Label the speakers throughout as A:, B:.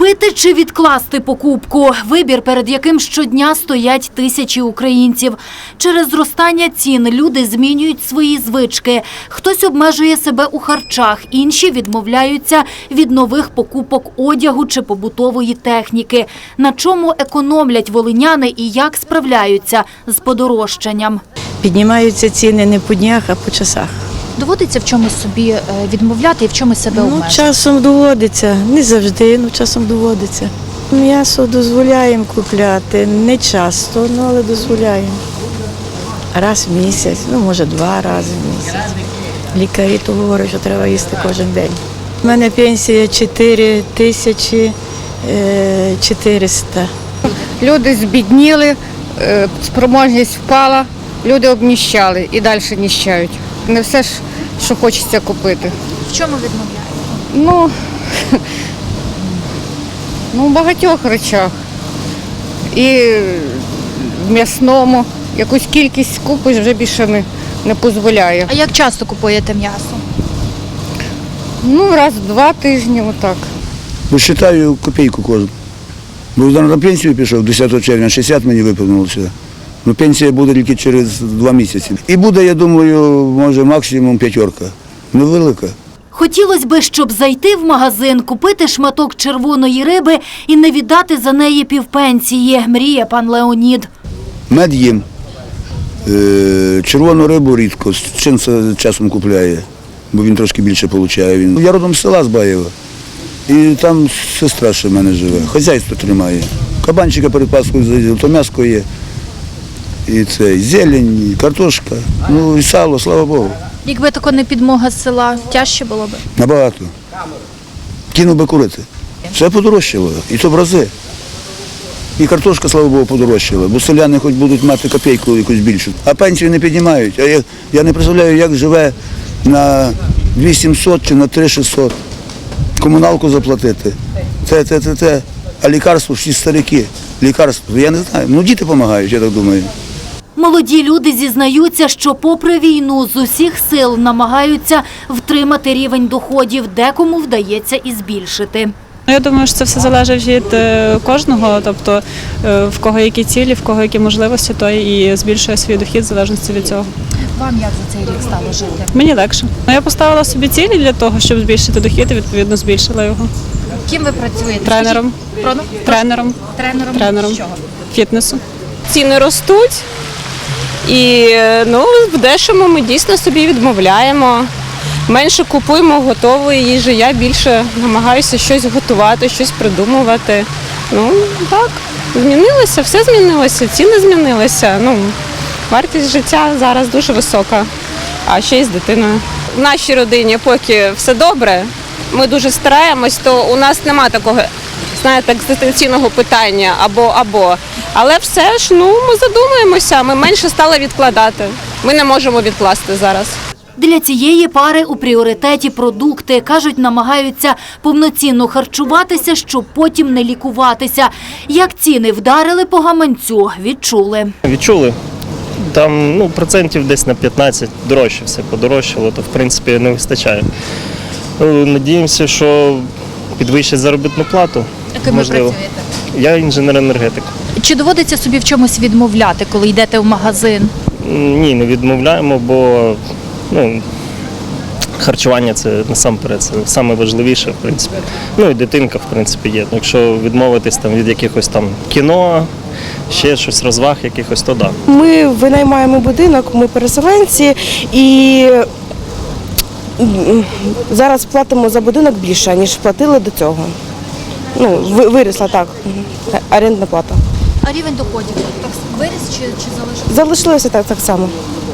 A: Купити чи відкласти покупку – вибір, перед яким щодня стоять тисячі українців. Через зростання цін люди змінюють свої звички. Хтось обмежує себе у харчах, інші відмовляються від нових покупок одягу чи побутової техніки. На чому економлять волиняни і як справляються з подорожчанням?
B: Піднімаються ціни не по днях, а по часах.
A: Доводиться в чомусь собі відмовляти і в чомусь себе обмежувати?
B: Часом доводиться, не завжди, але часом доводиться. М'ясо дозволяємо купляти, не часто, але дозволяємо. Раз в місяць, може 2 рази в місяць. Лікарі то говорять, що треба їсти кожен день. У мене пенсія 4400.
C: Люди збідніли, спроможність впала, люди обніщали і далі ніщають. Не все ж, що хочеться купити.
A: В чому відмовляєте?
C: В багатьох речах. І в м'ясному. Якусь кількість купиш вже більше не дозволяє.
A: А як часто купуєте м'ясо?
C: Раз в 2 тижні, отак.
D: Вважаю копійку кожну. Бо на пенсію пішов 10 червня, 60 мені виповнилося. Пенсія буде тільки через 2 місяці. І буде, я думаю, може максимум 5. Невелика.
A: Хотілося б, щоб зайти в магазин, купити шматок червоної риби і не віддати за неї півпенсії, мріє пан Леонід.
D: Мед їм, червону рибу рідко, чим це часом купляє, бо він трошки більше отримує. Я родом з села, з Баєва, і там сестра ще в мене живе, хазяйство тримає. Кабанчика перед Пасхою заїздив, то м'ясо є, і це, і зелень, і картошка, і сало, слава Богу.
A: Якби тако не підмога з села, тяжче було б?
D: Набагато. Кинув би курити. Все подорожчало, і то в рази. І картошка, слава Богу, подорожчала, бо селяни хоч будуть мати копійку якусь більшу. А пенсію не піднімають. А я не представляю, як живе на 2700 чи на 3600. Комуналку заплатити. А лікарство, всі старики. Лікарство, я не знаю. Діти допомагають, я так думаю.
A: Молоді люди зізнаються, що попри війну з усіх сил намагаються втримати рівень доходів, декому вдається і збільшити.
E: Я думаю, що це все залежить від кожного, тобто в кого які цілі, в кого які можливості, той і збільшує свій дохід в залежності від цього.
A: Вам як за цей рік стало жити?
E: Мені легше. Я поставила собі цілі для того, щоб збільшити дохід і відповідно збільшила його.
A: Ким ви працюєте?
E: Тренером. Тренером.
A: Тренером? Чого?
E: Фітнесу.
F: Ціни ростуть і в дешому ми дійсно собі відмовляємо. Менше купуємо готової їжі, я більше намагаюся щось готувати, щось придумувати. Так, змінилося, все змінилося, ціни змінилися. Вартість життя зараз дуже висока, а ще й з дитиною. В нашій родині поки все добре, ми дуже стараємось, то у нас немає такого, екзистенційного питання або. Але все ж, ми задумуємося, ми менше стали відкладати. Ми не можемо відкласти зараз.
A: Для цієї пари у пріоритеті продукти. Кажуть, намагаються повноцінно харчуватися, щоб потім не лікуватися. Як ціни вдарили по гаманцю, відчули.
G: Відчули. Там процентів десь на 15 дорожче все подорожчало, то в принципі не вистачає. Надіємося, що підвищать заробітну плату.
A: Яким ви працюєте?
G: Я інженер-енергетик.
A: Чи доводиться собі в чомусь відмовляти, коли йдете в магазин?
G: Ні, не відмовляємо, бо харчування – це насамперед, це найважливіше, в принципі. І дитинка, в принципі, є. Якщо відмовитись від якихось кіно, ще щось, розваг якихось, то да.
H: Ми винаймаємо будинок, ми переселенці і зараз платимо за будинок більше, ніж платили до цього. Вирісла так, орендна плата.
A: А рівень доходів виріс чи залишився?
H: Залишилося так само.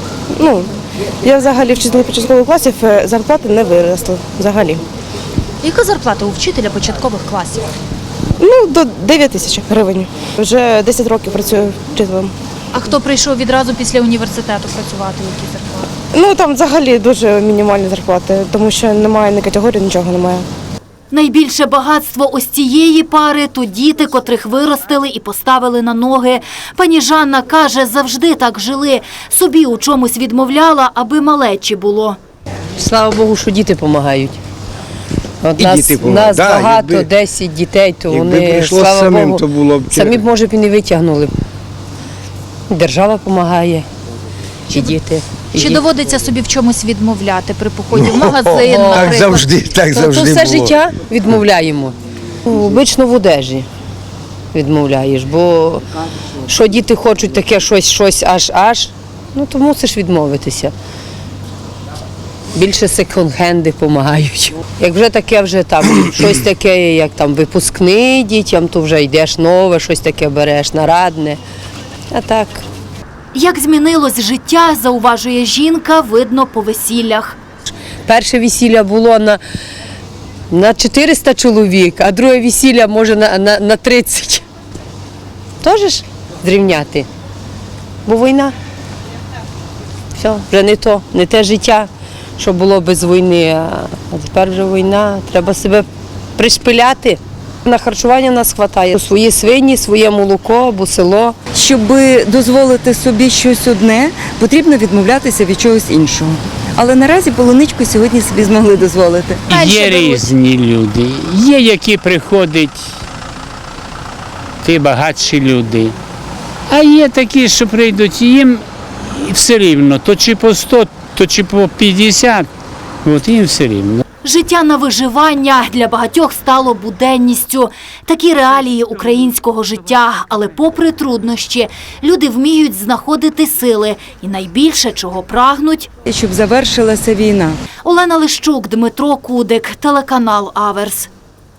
H: Я взагалі вчитель початкових класів, зарплати не виросли взагалі.
A: Яка зарплата у вчителя початкових класів?
H: До 9 тисяч гривень. Вже 10 років працюю вчителем.
A: А хто прийшов відразу після університету працювати, які зарплати?
H: Там взагалі дуже мінімальні зарплати, тому що немає ні категорії, нічого немає.
A: Найбільше багатство ось цієї пари – то діти, котрих виростили і поставили на ноги. Пані Жанна каже, завжди так жили. Собі у чомусь відмовляла, аби малечі було.
I: Слава Богу, що діти допомагають. От
J: І діти помагають.
I: нас
J: Да,
I: багато,
J: якби-
I: 10 дітей, то
J: Якби
I: вони,
J: прийшло
I: слава
J: самим,
I: Богу,
J: то було б
I: самі б, може б і не витягнули. Держава допомагає, і діти. і
A: Чи
I: діти.
A: доводиться собі в чомусь відмовляти при поході в магазин,
I: О,
A: наприклад?
J: Так завжди, так
I: То
J: завжди
I: все
J: було.
I: життя відмовляємо. Обично в одежі відмовляєш, бо що діти хочуть таке щось аж, ну то мусиш відмовитися. Більше секонд-хенди допомагають. Як вже таке, вже там щось таке, як там випускний дітям, то вже йдеш нове, щось таке береш, нарадне. А так.
A: Як змінилось життя, зауважує жінка, видно по весіллях.
I: Перше весілля було на 400 чоловік, а друге весілля може на 30. Теж ж зрівняти. Бо війна. Все, вже не то, не те життя, що було без війни. А тепер вже війна, треба себе пришпиляти. На харчування нас вистачає. Свої свині, своє молоко, або село.
K: Щоб дозволити собі щось одне, потрібно відмовлятися від чогось іншого. Але наразі полуничку сьогодні собі змогли дозволити.
L: Є різні люди. Є, які приходять, ті багатші люди. А є такі, що прийдуть, їм все рівно, то чи по 100, то чи по 50, от їм все рівно.
A: Життя на виживання для багатьох стало буденністю. Такі реалії українського життя. Але попри труднощі, люди вміють знаходити сили. І найбільше, чого прагнуть
K: Щоб завершилася війна.
A: – Олена Лищук, Дмитро Кудик, телеканал «Аверс».